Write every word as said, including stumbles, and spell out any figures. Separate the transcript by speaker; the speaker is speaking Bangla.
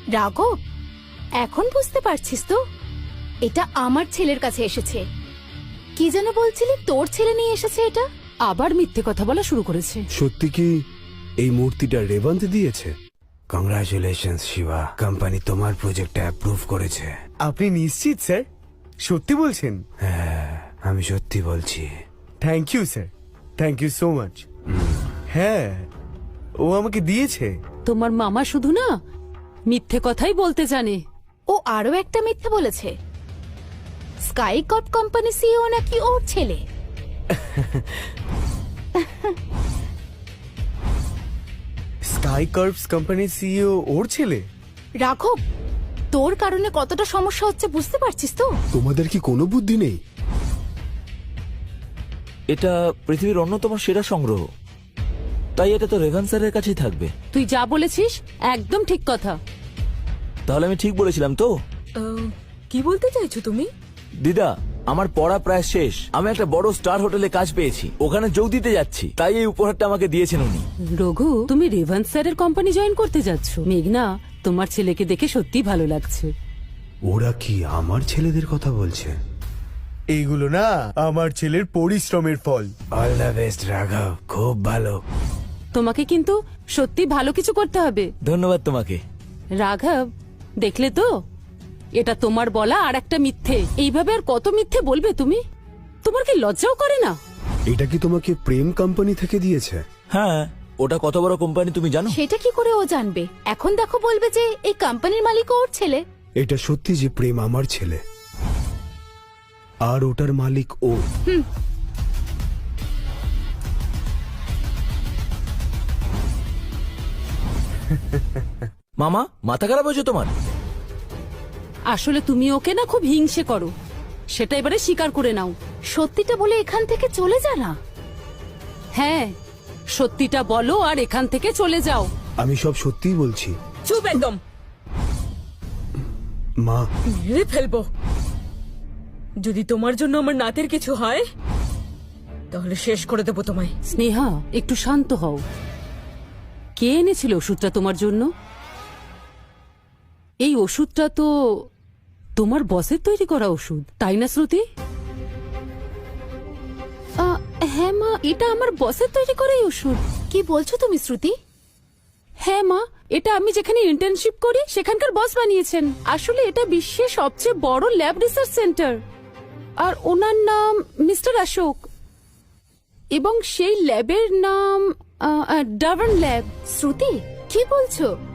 Speaker 1: রাঘব, এখন বুঝতে পারছিস তো? এটা আমার ছেলের কাছে এসেছে। কি যেন বলছিলি, তোর ছেলে নিয়ে এসেছে এটা?
Speaker 2: আবার মিথ্যে কথা বলা শুরু করেছে।
Speaker 3: সত্যি কি এই মূর্তিটা রেবন্ত দিয়েছে? কংগ্রাচুলেশনস শিবা, কোম্পানি তোমার প্রজেক্টটা অ্যাপ্রুভ করেছে।
Speaker 4: আপনি নিশ্চিত স্যার? সত্যি বলছেন?
Speaker 3: হ্যাঁ, আমি সত্যি বলছি।
Speaker 4: Thank you sir, thank you so much. হ্যাঁ, ও আমাকে দিয়েছে।
Speaker 2: তোমার মামা শুধু না মিথ্যে কথাই বলতে জানে।
Speaker 1: ও আরো একটা মিথ্যে বলেছে। স্কাই কট কোম্পানি সিইও নাকি ওর ছেলে।
Speaker 4: স্কাই কার্ভস কোম্পানির সিইও ওর ছেলে?
Speaker 1: রাঘব, তোর কারণে কতটা সমস্যা হচ্ছে বুঝতে পারছিস তো?
Speaker 3: তোমাদের কি কোনো বুদ্ধি নেই?
Speaker 5: এটা পৃথিবীর অন্যতম সেরা সংগ্রহ, তাই এটা তো রেভান স্যারের কাছেই থাকবে।
Speaker 2: তুই যা বলেছিস একদম ঠিক কথা।
Speaker 5: তাহলে আমি ঠিক বলেছিলাম তো?
Speaker 6: কি বলতে চাইছো তুমি?
Speaker 5: দিদা, আমার পড়া প্রায় শেষ। আমি একটা বড় স্টার হোটেলে কাজ পেয়েছি, ওখানে যোগ দিতে যাচ্ছি, তাই এই উপহারটা আমাকে দিয়েছেন উনি।
Speaker 2: রঘু, তুমি রেভান্স স্যারের কোম্পানি জয়েন করতে যাচ্ছ। মেঘনা, তোমার ছেলেকে দেখে সত্যি ভালো লাগছে।
Speaker 3: ওরা কি আমার ছেলেদের কথা বলছে?
Speaker 4: এইগুলো না আমার ছেলের পরিশ্রমের ফল।
Speaker 3: অল দ্য বেস্ট রাঘব, খুব ভালো।
Speaker 2: তোমাকে কিন্তু সত্যি ভালো কিছু করতে হবে।
Speaker 5: ধন্যবাদ তোমাকে।
Speaker 2: রাঘব, দেখলে তো, এটা তোমার বলা আর একটা মিথ্যে। এইভাবে আর কত মিথ্যে বলবে তুমি? তোমার কি লজ্জাও করে না?
Speaker 3: এটা কি তোমাকে প্রেম কোম্পানি থেকে দিয়েছে?
Speaker 5: হ্যাঁ, ওটা কত বড় কোম্পানি তুমি জানো?
Speaker 1: সেটা কি করে ও জানবে? এখন দেখো বলবে যে এই কোম্পানির মালিক ওর ছেলে।
Speaker 3: এটা সত্যি যে প্রেম আমার ছেলে আর ওটার মালিক ও।
Speaker 5: মামা, মাথা খারাপ হয়েছে তোমার?
Speaker 2: আসলে তুমি ওকে না খুব হিংসে করো, সেটা এবারে স্বীকার করে নাও।
Speaker 1: সত্যিটা বলে এখান থেকে চলে যা না।
Speaker 2: হ্যাঁ, সত্যিটা বলো আর এখান থেকে চলে যাও।
Speaker 3: আমি সব সত্যিই বলছি।
Speaker 6: চুপ একদম,
Speaker 3: মা,
Speaker 6: মেরে ফেলবো। যদি তোমার জন্য আমার নাতের কিছু হয় তাহলে শেষ করে দেবো তোমায়।
Speaker 2: স্নেহা, একটু শান্ত হও। কে এনেছিল ওষুধটা তোমার জন্য? এই ওষুধটা তো তোমার বসের তৈরি করা ওষুধ, তাই না শ্রুতি? আহ, হ্যাঁ মা, এটা আমার বসের তৈরি করা এই ওষুধ।
Speaker 1: কি বলছো তুমি শ্রুতি?
Speaker 2: হ্যাঁ মা, এটা আমি যেখানে ইন্টার্নশিপ করি সেখানকার বস বানিয়েছেন। আসলে এটা বিশ্বের সবচেয়ে বড় ল্যাব রিসার্চ সেন্টার, আর ওনার নাম মিস্টার অশোক, এবং সেই ল্যাবের নাম ডাভার্ন ল্যাব।
Speaker 1: শ্রুতি, কি বলছো?